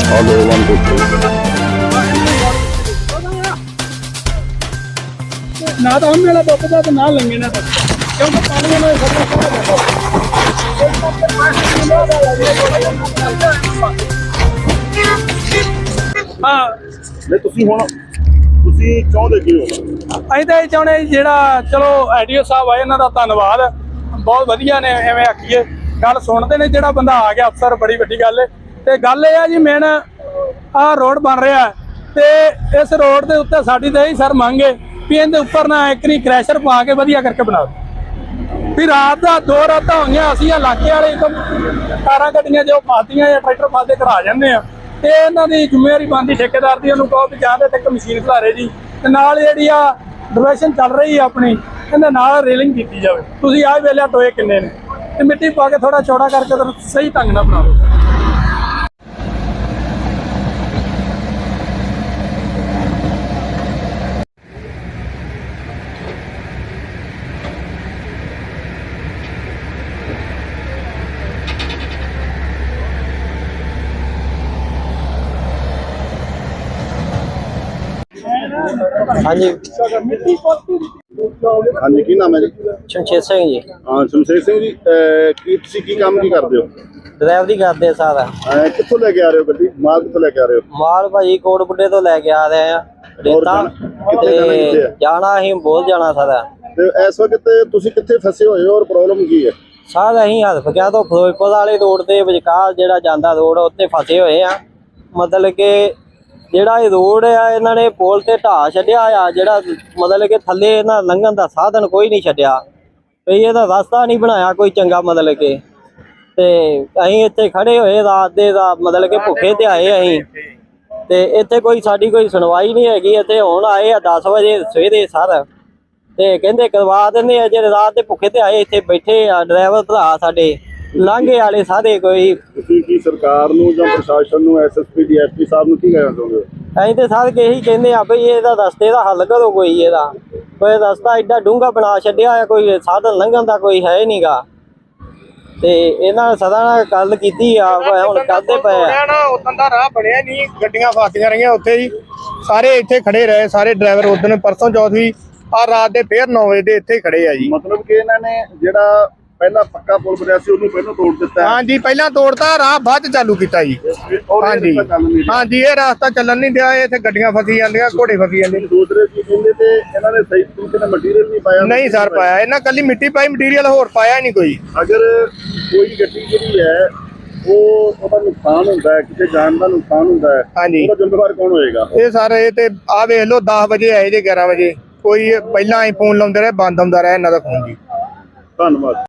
I'll go 1 2 3 ना तो हम मेरा बपदा तो ना लेंगे ना तो क्योंकि पानी में हाँ नहीं ਤੁਸੀਂ ਹੁਣ ਤੁਸੀਂ ਚਾਹੁੰਦੇ ਕੀ ਹੋ ਅਸੀਂ ਤਾਂ ਇਹ ਚਾਹੁੰਦੇ ਜਿਹੜਾ ਚਲੋ ਐਡੀਓ ਸਾਹਿਬ ਆਏ ਇਹਨਾਂ ਦਾ ਧੰਨਵਾਦ ਬਹੁਤ ਵਧੀਆ ਨੇ ਐਵੇਂ ਆਖੀਏ ਗੱਲ ਸੁਣਦੇ ਨੇ ਜਿਹੜਾ ਬੰਦਾ ਆ ਗਿਆ ਅਫਸਰ ਬੜੀ ਵੱਡੀ ਗੱਲ ਹੈ ਤੇ ਗੱਲ ਇਹ ਆ ਜੀ ਮੇਨ ਆਹ ਰੋਡ ਬਣ ਰਿਹਾ ਤੇ ਇਸ ਰੋਡ ਦੇ ਉੱਤੇ ਸਾਡੀ ਤਾਂ ਇਹੀ ਸਰ ਮੰਗ ਹੈ ਵੀ ਇਹਦੇ ਉੱਪਰ ਨਾ ਇੱਕ ਨਹੀਂ ਕ੍ਰੈਸ਼ਰ ਪਾ ਕੇ ਵਧੀਆ ਕਰਕੇ ਬਣਾ ਦਿਓ ਵੀ ਰਾਤ ਦਾ 2 ਰਾਤਾਂ ਹੋਈਆਂ ਅਸੀਂ ਇਲਾਕੇ ਵਾਲੇ ਕਾਰਾਂ ਗੱਡੀਆਂ ਜੋ ਫਾਦੀਆਂ ਜਾਂ ਟਰੈਕਟਰ ਫਾਦੇ ਕਰਾ ਜਾਂਦੇ ਆ ਤੇ ਇਹਨਾਂ ਦੀ ਜ਼ਿੰਮੇਵਾਰੀ ਬਣਦੀ ਠੇਕੇਦਾਰ ਦੀ ਉਹਨੂੰ ਕਹੋ ਵੀ ਜਾਂ ਤੇ ਇੱਕ ਮਸ਼ੀਨ ਖਿਲਾਰੇ ਜੀ ਤੇ ਨਾਲ ਜਿਹੜੀ ਆ ਡਿਵੈਸ਼ਨ ਚੱਲ ਰਹੀ ਆ ਆਪਣੀ ਇਹਦੇ ਨਾਲ ਰੇਲਿੰਗ ਕੀਤੀ ਜਾਵੇ ਤੁਸੀਂ ਆਹ ਵੇਲੇ ਟੋਏ ਕਿੰਨੇ ਨੇ ਤੇ ਮਿੱਟੀ ਪਾ ਕੇ ਥੋੜਾ ਚੌੜਾ ਕਰਕੇ ਤਾਂ ਸਹੀ ਢੰਗ ਨਾਲ ਬਣਾ ਲਓ हाँ जी ਹਾਂਜੀ ਕੀ ਨਾਮ ਹੈ ਜੀ शमशेर सिंह जी ਹਾਂ ਸ਼ਮਸ਼ੇਰ ਸਿੰਘ ਜੀ ਕੀ ਤੁਸੀਂ ਕੀ ਕੰਮ ਕੀ ਕਰਦੇ ਹੋ ड्राइवरी करते सारा ਕਿੱਥੋਂ ਲੈ ਕੇ ਆ ਰਹੇ ਹੋ ਗੱਡੀ ਮਾਲ ਕਿੱਥੋਂ ਲੈ ਕੇ ਆ ਰਹੇ ਹੋ माल भाजी कोटबुड्डे तो लैके आ रहे हैं रेता कित्थे जाना कित्थे है? जाना अं बहुत जाना सारा ਤੇ ਇਸ ਵਕਤ ਤੁਸੀਂ ਕਿੱਥੇ ਫਸੇ ਹੋਏ ਹੋ ਔਰ ਪ੍ਰੋਬਲਮ ਕੀ ਹੈ सारा अं हल्फ गया तो फिरोजपुर वाले रोड के विचकार जो जाता रोड उत्ते फसे हुए हैं मतलब कि ਜਿਹੜਾ ਇਹ ਰੋਡ ਆ ਇਹਨਾਂ ਨੇ ਪੁਲ ਤੇ ਢਾਹ ਛੱਡਿਆ ਆ ਜਿਹੜਾ ਮਤਲਬ ਕਿ ਥੱਲੇ ਇਹਨਾਂ ਲੰਘਣ ਦਾ ਸਾਧਨ ਕੋਈ ਨਹੀਂ ਛੱਡਿਆ ਵੀ ਇਹਦਾ ਰਸਤਾ ਨਹੀਂ ਬਣਾਇਆ ਕੋਈ ਚੰਗਾ ਮਤਲਬ ਕਿ ਤੇ ਅਸੀਂ ਇੱਥੇ ਖੜੇ ਹੋਏ ਰਾਤ ਦੇ ਦਾ ਮਤਲਬ ਕਿ ਭੁੱਖੇ ਤੇ ਆਏ ਅਸੀਂ ਤੇ ਇੱਥੇ ਕੋਈ ਸਾਡੀ ਕੋਈ ਸੁਣਵਾਈ ਨਹੀਂ ਹੈਗੀ ਇੱਥੇ ਹੁਣ ਆਏ ਆ 10 ਵਜੇ ਸਵੇਰੇ ਸਰ ਤੇ ਕਹਿੰਦੇ ਕਰਵਾ ਦਿੰਦੇ ਆ ਜਿਹੜੇ ਰਾਤ ਦੇ ਭੁੱਖੇ ਤੇ ਆਏ ਇੱਥੇ ਬੈਠੇ ਆ ਡਰਾਈਵਰ ਭਰਾ ਸਾਡੇ ਲਾਂਘੇ ਵਾਲੇ ਸਾਰੇ ਕੋਈ ਤੁਸੀਂ ਕੀ ਸਰਕਾਰ ਨੂੰ ਜਾਂ ਪ੍ਰਸ਼ਾਸਨ ਨੂੰ ਐਸਐਸਪੀ ਡੀਐਸਪੀ ਸਾਹਿਬ ਨੂੰ ਕੀ ਕਹਿਣਾ ਚਾਹੁੰਦੇ ਹੋ ਅਸੀਂ ਤੇ ਸਾਰੇ ਇਹੀ ਕਹਿੰਦੇ ਆ ਬਈ ਇਹਦਾ ਰਸਤੇ ਦਾ ਹੱਲ ਕਰੋ ਕੋਈ ਕੋਈ ਰਸਤਾ ਐਡਾ ਡੂੰਘਾ ਬਣਾ ਛੱਡਿਆ ਆ ਕੋਈ ਸਾਧਨ ਲੰਘਣ ਦਾ ਕੋਈ ਹੈ ਨਹੀਂਗਾ ਤੇ ਇਹਨਾਂ ਸਦਾ ਨਾਲ ਗੱਲ ਕੀਤੀ ਆ ਹੁਣ ਕਰਦੇ ਪਏ ਆ ਨਾ ਉਦੋਂ ਦਾ ਰਾਹ ਬਣਿਆ ਨਹੀਂ ਗੱਡੀਆਂ ਫਾਸੀਆਂ ਰਹੀਆਂ ਉੱਥੇ ਹੀ ਸਾਰੇ ਇੱਥੇ ਖੜੇ ਰਹੇ ਸਾਰੇ ਡਰਾਈਵਰ ਉਦੋਂ ਪਰਸੋਂ ਚੌਥ ਵੀ ਆ ਰਾਤ ਦੇ ਫੇਰ 9 ਵਜੇ ਦੇ ਇੱਥੇ ਖੜੇ ਆ ਜੀ ਮਤਲਬ ਕਿ ਇਹਨਾਂ ਨੇ ਜਿਹੜਾ ਪਹਿਲਾਂ ਪੱਕਾ ਪੁਲ ਬਣਿਆ ਸੀ ਉਹਨੂੰ ਪਹਿਲਾਂ ਤੋੜ ਦਿੱਤਾ ਹਾਂਜੀ ਪਹਿਲਾਂ ਤੋੜਤਾ ਰਾਹ ਬਾਅਦ ਚ ਚਾਲੂ ਕੀਤਾ ਜੀ ਹਾਂਜੀ ਹਾਂਜੀ ਇਹ ਰਸਤਾ ਚੱਲਣ ਨਹੀਂ ਦਿਆ ਇੱਥੇ ਗੱਡੀਆਂ ਫਸੀ ਜਾਂਦੀਆਂ ਘੋੜੇ ਫਸੀ ਜਾਂਦੇ ਦੂਸਰੇ ਕੀ ਕਹਿੰਦੇ ਤੇ ਇਹਨਾਂ ਨੇ ਸਹੀ ਤਰੀਕੇ ਨਾਲ ਮਟੀਰੀਅਲ ਨਹੀਂ ਪਾਇਆ ਨਹੀਂ ਸਰ ਪਾਇਆ ਇਹਨਾਂ ਕੱਲੀ ਮਿੱਟੀ ਪਾਈ ਮਟੀਰੀਅਲ ਹੋਰ ਪਾਇਆ ਨਹੀਂ ਕੋਈ ਅਗਰ ਕੋਈ ਗੱਡੀ ਜਿਹੜੀ ਹੈ ਉਹਦਾ ਨੁਕਸਾਨ ਹੁੰਦਾ ਹੈ ਕਿਸੇ ਜਾਨ ਦਾ ਨੁਕਸਾਨ ਹੁੰਦਾ ਹੈ ਹਾਂਜੀ ਉਹਦਾ ਜ਼ਿੰਮੇਵਾਰ ਕੌਣ ਹੋਏਗਾ ਇਹ ਸਾਰੇ ਇਹ ਤੇ ਆ ਵੇਖ ਲਓ 10 ਵਜੇ ਆਏ ਜੇ 11 ਵਜੇ ਕੋਈ ਪਹਿਲਾਂ ਹੀ ਫੋਨ ਲਾਉਂਦੇ ਰਹੇ ਬੰਦ ਹੁੰਦਾ ਰਿਹਾ ਇਹਨਾਂ ਦਾ ਫੋਨ ਜੀ ਧੰਨਵਾਦ